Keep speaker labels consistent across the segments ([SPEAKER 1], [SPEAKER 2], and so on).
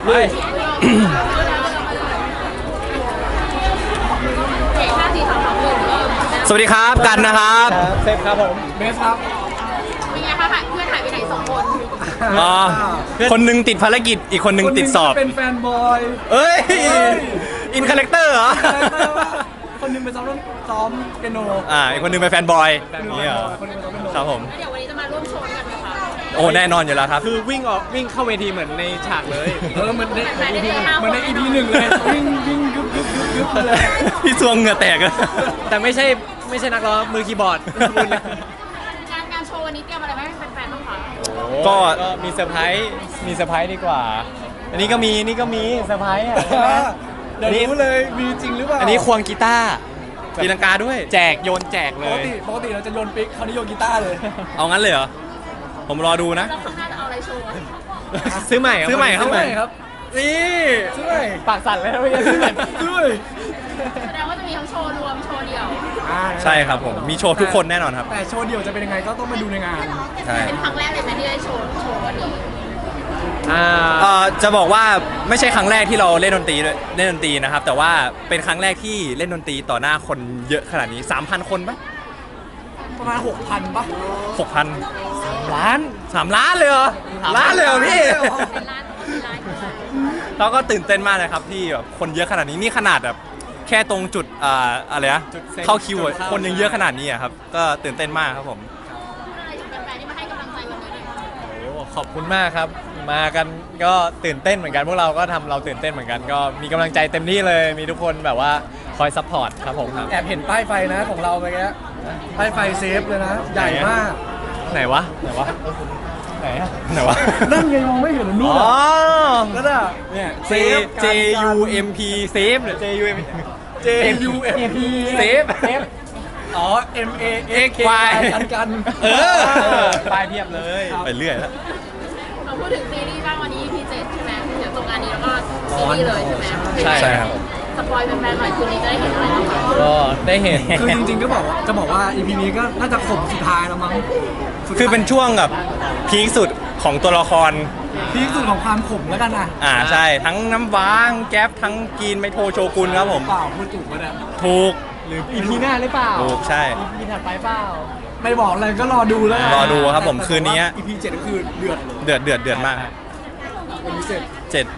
[SPEAKER 1] เลย
[SPEAKER 2] สวัสดีครับกันนะครับ
[SPEAKER 1] เซฟครับผมเบสครับ
[SPEAKER 3] เป็นไงคะเพื่อนหายไปไหน2 คน
[SPEAKER 2] อ๋อคนหนึงติดภารกิจอีกคนหนึงติดสอบ
[SPEAKER 1] เป็นแฟนบอย
[SPEAKER 2] เอ้ยอินคาแรคเตอร์เหรอ
[SPEAKER 1] คนหนึงไปซ้อมเปียโน
[SPEAKER 2] อีกคนหนึงเป็นแฟนบอยนี่เหรอ
[SPEAKER 1] คนหนึงไปซ้อมเปียโน
[SPEAKER 2] ครับผม
[SPEAKER 3] แล้วเดี๋ยววันนี้จะมาร่วมโชว์กันไหมคะ
[SPEAKER 2] โอ้แน่นอนอยู่แล้วครับ
[SPEAKER 4] คือวิ่งเข้าเวทีเหมือนในฉากเลย
[SPEAKER 1] เหมือนใน EP หนึ่งเลยวิ่งยุบเลย
[SPEAKER 2] พี่ซวงเหงื่อแตกอะ
[SPEAKER 4] แต่ไม่ใช่นักร้องมือคีย์บอร์ด
[SPEAKER 3] งานโชว์วันนี้เตรียมอะไรไว้ให้แฟนๆบ้างคะ
[SPEAKER 2] ก็
[SPEAKER 4] มีเซอร์ไพรส์ดีกว่า อันนี้ก็มีเซอร์ไพรส์อ่ะ
[SPEAKER 1] เดี๋ยวรู้เลยมีจริงหรือเปล่า
[SPEAKER 4] อันนี้ควงกีตาร์
[SPEAKER 2] ตีลังกาด้วย
[SPEAKER 4] แจกโยนแจกเล
[SPEAKER 1] ปก
[SPEAKER 4] ย
[SPEAKER 1] ติเราจะโยนปิ๊กคราวนี้โยนกีตาร์เลย
[SPEAKER 2] เอางั้นเลยเหรอผมรอดูนะ
[SPEAKER 3] แล้วข้างหน้าจะเอาอะไรโชว์
[SPEAKER 4] ซื้อใหม่
[SPEAKER 2] ซื้อใหม่ครับ
[SPEAKER 1] ซื้อใหม่ครับ
[SPEAKER 2] นี่
[SPEAKER 1] ซื้อใหม่
[SPEAKER 4] ปากสั่นเลยนะพี่ซื้อใหม่
[SPEAKER 1] ซื้อใหม่
[SPEAKER 3] แสดงว่าจะมีทั้งโชว์รวมโชว์เดี่ยว
[SPEAKER 2] ใช่ครับผมมีโชว์ทุกคนแน่นอนครับ
[SPEAKER 1] แต่โชว์เดี่ยวจะเป็นยังไงก็ต้องมาดูในงาน
[SPEAKER 2] ใช่
[SPEAKER 3] เป็นครั้งแรกเลยไหมที่ได้โชว์วันนี้
[SPEAKER 2] จะบอกว่าไม่ใช่ครั้งแรกที่เราเล่นดนตรีนะครับ แต่ว่าเป็นครั้งแรกที่เล่นดนตรีต่อหน้าคนเยอะขนาดนี้ 3,000 คนปะ
[SPEAKER 1] ประมาณ 6,000 ป่ะ
[SPEAKER 2] 6,000 ล้าน 3 ล้านเลยเหรอล้านเลยเหรอพี่
[SPEAKER 3] เป็นร้าน
[SPEAKER 2] เราก็ตื่นเต้นมากเลยครับที่แบบคนเยอะขนาดนี้นี่ขนาดแบบแค่ตรงจุดอะไรนะเข้าคิวอะคนยังเยอะขนาดนี้อะครับก็ตื่นเต้นมากครับผม
[SPEAKER 3] พูดอะไรถึงแฟนๆที่มาให้กำลังใจวันนี้หน่อยคะ
[SPEAKER 4] โอ้ขอบคุณมากครับ มากันก็ตื่นเต้นเหมือนกันพวกเราก็ทำเราตื่นเต้นเหมือนกัน ก็มีกำลังใจเต็มที่เลย มีทุกคนแบบว่าคอยซัพพอร์ตครับผมครับ
[SPEAKER 1] แอบเห็นป้ายไฟนะของเราไปแกป้ายไฟเซฟเลยนะ ใหญ่มาก
[SPEAKER 4] ไหนวะไหนอะ
[SPEAKER 2] ไหนวะ
[SPEAKER 1] นั่นไงมองไม่เห็นนู่น
[SPEAKER 2] อ๋อ
[SPEAKER 1] นั่นอ่ะ
[SPEAKER 4] เนี่ย
[SPEAKER 2] J U M P save J U M
[SPEAKER 1] J U F P
[SPEAKER 2] เซฟ
[SPEAKER 1] อ๋อ M A X K
[SPEAKER 2] Y
[SPEAKER 1] กัน
[SPEAKER 2] เออ
[SPEAKER 4] ป้ายเพียบเลย
[SPEAKER 2] ไปเรื่อยแล้ว
[SPEAKER 3] เราพูดถึงซีรีส์บ้างวันนี้ EP 7ใช่ไหมเดี๋ยวจบงานนี้แล้วก็ซีรีส์เลยใช่ไหม
[SPEAKER 2] ใช่ครับ
[SPEAKER 3] สปอยแฟนๆหน่อยคืนนี้จะได้เห็นอะไรบ้างคะ
[SPEAKER 4] ก็ได้เห็น
[SPEAKER 1] คือจริงๆก็จะบอกว่า EP นี้ก็น่าจะขมสุดท้ายแล้วมั้งสุดท้าย
[SPEAKER 2] คือเป็นช่วงแบบพีคสุดของตัวละคร
[SPEAKER 1] พีคสุดของความขมแล้วกันนะ
[SPEAKER 2] ใช่ทั้งน้ำว้างแก๊ปทั้งกีนไมโทโชกุนครับผม
[SPEAKER 1] เปล่าพูดถูกปะเนี่ย
[SPEAKER 2] ถูก
[SPEAKER 4] หรือ EP หน้าหรือเปล่า
[SPEAKER 2] ถูกใช่
[SPEAKER 4] EP ถัดไปเปล่า
[SPEAKER 1] ไม่บอกเลยก็รอดูแล้วกัน
[SPEAKER 2] รอดูครับผมคืนนี้
[SPEAKER 1] EP 7ก็คือเดือด
[SPEAKER 2] เดือดมาก
[SPEAKER 1] เป็นพิเศษ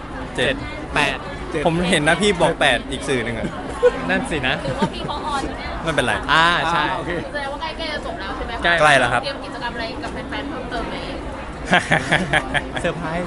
[SPEAKER 2] 7
[SPEAKER 4] 8
[SPEAKER 2] ผมเห็นนะพี่บอก 8 อีกสื่อหนึ่งอะ
[SPEAKER 4] นั่นสินะ
[SPEAKER 3] หรือว่าพี่เขาออนเนี่ย
[SPEAKER 2] ไม่เป็นไร
[SPEAKER 4] ใช่
[SPEAKER 1] โอเค
[SPEAKER 3] แสดงว่าใกล้ๆจะจบแล้วใช่ไหมคะ
[SPEAKER 4] ใกล้
[SPEAKER 2] ใกล้แล้วครับ
[SPEAKER 3] เตรียมกิจกรรมอะไรกับแฟนๆเพิ่มเติมไหม
[SPEAKER 4] เซอร์ไพรส์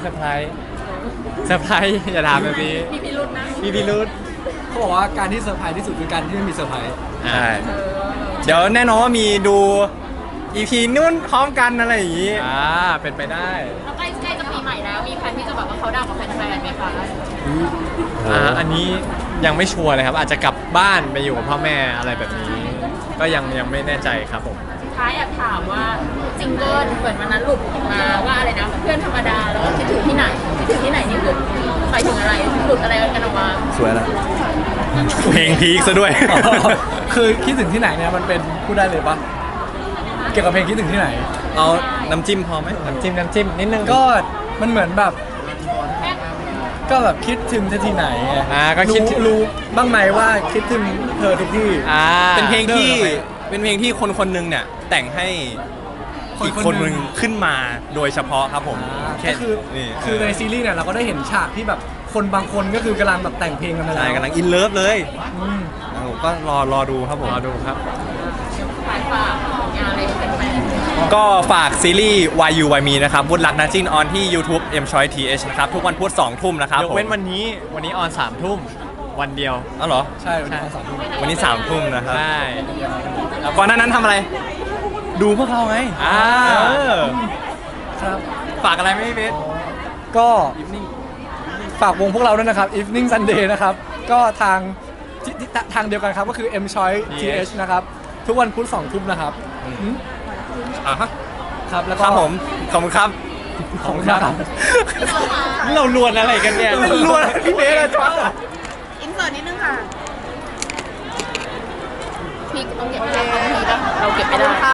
[SPEAKER 4] อย่าถามแบบนี้
[SPEAKER 3] มีพิรุธนะ
[SPEAKER 4] มีพิรุธ
[SPEAKER 1] เขาบอกว่าการที่เซอร์ไพรส์ที่สุดคือการที่ไม่มีเซอร์ไพรส์
[SPEAKER 2] ใช่ เดี๋ยวแน่นอนว่ามีดู EP นู่นพร้อมกันอะไรอย่างนี้
[SPEAKER 4] เป็นไปได้
[SPEAKER 3] แล้วใกล้จะปีใหม่แล้ว มีแผนที่จะแบบว่าเขาดาวกับแฟนๆไหมคะ
[SPEAKER 4] อันนี้ยังไม่ชัวร์เลยครับ อาจจะกลับบ้านไปอยู่กับพ่อแม่อะไรแบบนี้ ก็ยังไม่แน่ใจครับผม
[SPEAKER 3] สุดท้ายอยากถามว่าซิงเกิลเหมือนวันนั้นหลุดออกมาว่าอะไรนะเพื่อนธรรมดาแล้วก็คิดถึงที่ไหนนี่คือหมายถึงอะไรหลุดอะไรกันออกมา
[SPEAKER 2] สวยแล้วเพลงพีคซะด้วย
[SPEAKER 1] คือคิดถึงที่ไหนเนี่ยมันเป็นพูดได้เลยปะเกี่ยวกับเพลงคิดถึงที่ไหน
[SPEAKER 2] เอาน้ำจิ้มพอไหม
[SPEAKER 4] น้ำจิ้มนิดนึง
[SPEAKER 1] ก็มันเหมือนแบบ ก็แบบคิดถึงเธอที่ไหนไง
[SPEAKER 4] ก็คิด
[SPEAKER 1] รู้บ้างไหมว่าคิดถึงเธอทุกที่
[SPEAKER 2] เป็นเพลงที่
[SPEAKER 1] เดินออกไป
[SPEAKER 2] เป็นเพลงที่คนคนหนึงเนี่ยแต่งให้อีกคนหนึงขึ้นมาโดยเฉพาะครับผมแค่
[SPEAKER 1] ก็คือ
[SPEAKER 2] นี่
[SPEAKER 1] คือในซีรีส์เนี่ยเราก็ได้เห็นฉากที่แบบคนบางคนก็คือกำลังแบบแต่งเพลงกันมา
[SPEAKER 2] ใช่
[SPEAKER 1] แล้ว
[SPEAKER 2] กำลังอินเลิฟเลย
[SPEAKER 1] อืม
[SPEAKER 2] ก็รอดูครับผม
[SPEAKER 4] รอดูครับ
[SPEAKER 3] ฝากงานอะไรเป็นแฟน
[SPEAKER 2] ก็ฝากซีรีส์ Why You Why Me นะครับวุฒิรักนาจินออนที่ YouTube M Choice TH นะครับทุกวันพุธ2 ทุ่มนะครับ
[SPEAKER 4] ยกเว้นวันนี้ออน3 ทุ่มวันเดียว
[SPEAKER 2] อ๋อเหรอ
[SPEAKER 1] ใช่วันนี้ตอน3 ทุ่ม
[SPEAKER 2] วันนี้3 ทุ่มนะครับ
[SPEAKER 4] ใช่
[SPEAKER 2] แล้วก่อนหน้านั้นทำอะไร ดูพวกเราไง เออ
[SPEAKER 1] ครับ
[SPEAKER 2] ฝากอะไรไหมพี่เบส
[SPEAKER 1] ก็ฝากวงพวกเราด้วยนะครับ Evening Sunday นะครับ ก็ทางทางเดียวกันครับก็คือ M Choice TH นะครับ ทุกวันพุธ2 ทุ่มนะครับอืม ครับแล้ว
[SPEAKER 2] ค
[SPEAKER 1] ก็
[SPEAKER 2] รับผมขอบคุณครับ
[SPEAKER 1] ของครับ
[SPEAKER 4] เราลวนอะไรกันเนี่ย
[SPEAKER 2] ล้วนพี่เบสอะจ้า
[SPEAKER 3] อินเสิร์ตนิดนึงค่ะพี่ต้องเก็บไม่ได้เราเก็บไม่ได้